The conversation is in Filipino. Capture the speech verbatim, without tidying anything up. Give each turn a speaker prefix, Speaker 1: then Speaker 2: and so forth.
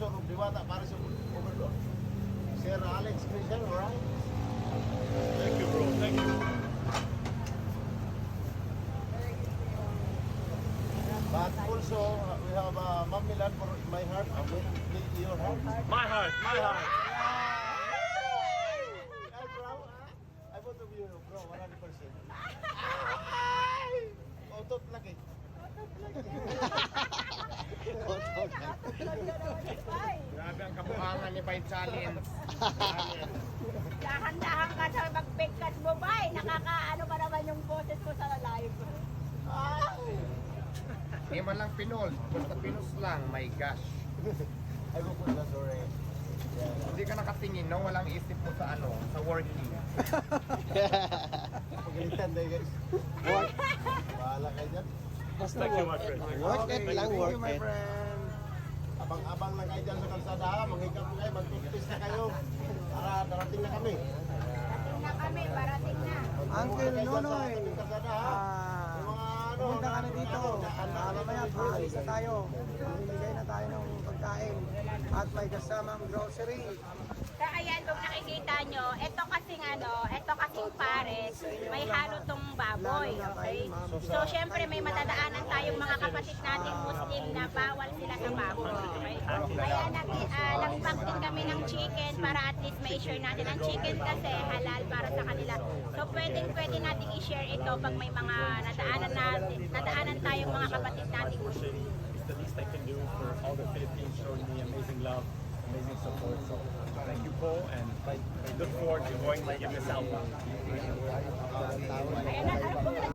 Speaker 1: sponsor ng Diwata para sa overload. Sir Alex Christian, alright?
Speaker 2: Thank you, bro. Thank you.
Speaker 1: But also, uh, we have uh, Ma'am Milan for my heart, uh, with with your heart.
Speaker 2: My heart, my heart.
Speaker 1: Ay, bro, I want to be you, bro, one hundred percent. Otot lagi.
Speaker 3: Grabe ang kabuhangan ni Bay Challenge.
Speaker 4: Dahan-dahan ka sa mag-bigkas mo ba eh. Nakakaano pa naman yung boses ko sa live.
Speaker 3: Hindi man lang pinol. Basta pinos lang. My gosh.
Speaker 1: I will put that sorry.
Speaker 3: Hindi ka nakatingin, no? Walang isip mo sa ano, sa working.
Speaker 1: Pagalitan tayo guys.
Speaker 5: Work,
Speaker 1: Bahala kayo dyan.
Speaker 5: basta
Speaker 2: Thank you, my
Speaker 5: work it.
Speaker 2: friend.
Speaker 5: Work it lang,
Speaker 3: Thank
Speaker 5: work
Speaker 3: you, my
Speaker 5: it.
Speaker 3: friend.
Speaker 1: Abang-abang lang kayo dyan sa kalsada, manghikap na kayo, mag-practice na kayo. Para darating na kami.
Speaker 4: Parating na kami, parating na.
Speaker 5: Uncle Nonoy,
Speaker 1: Sa kalsada ha.
Speaker 5: ah,
Speaker 1: Yung mga ano,
Speaker 5: pumunta ka na dito.
Speaker 1: ano,
Speaker 5: Ah, mamaya, paalis na tayo. Bibigay na tayo ng pagkain. At may kasamang grocery.
Speaker 4: So ayan, kung nakikita nyo, ito kasing ano, ito kasing pares, may halo tong baboy, okay? So syempre may matadaanan tayong mga kapatid nating Muslim na bawal sila sa baboy, okay? Kaya nag, uh, nag-pack din kami ng chicken para at least ma-share natin. Ang chicken kasi halal para sa kanila. So pwedeng pwede natin i-share ito pag may mga nadaanan natin, nadaanan tayong mga kapatid nating Muslim.
Speaker 2: It's the least I can do for all the Philippines showing me amazing love, amazing support. So thank you, Paul, and I, I look forward to going to give this album.
Speaker 4: Ayan na, ano po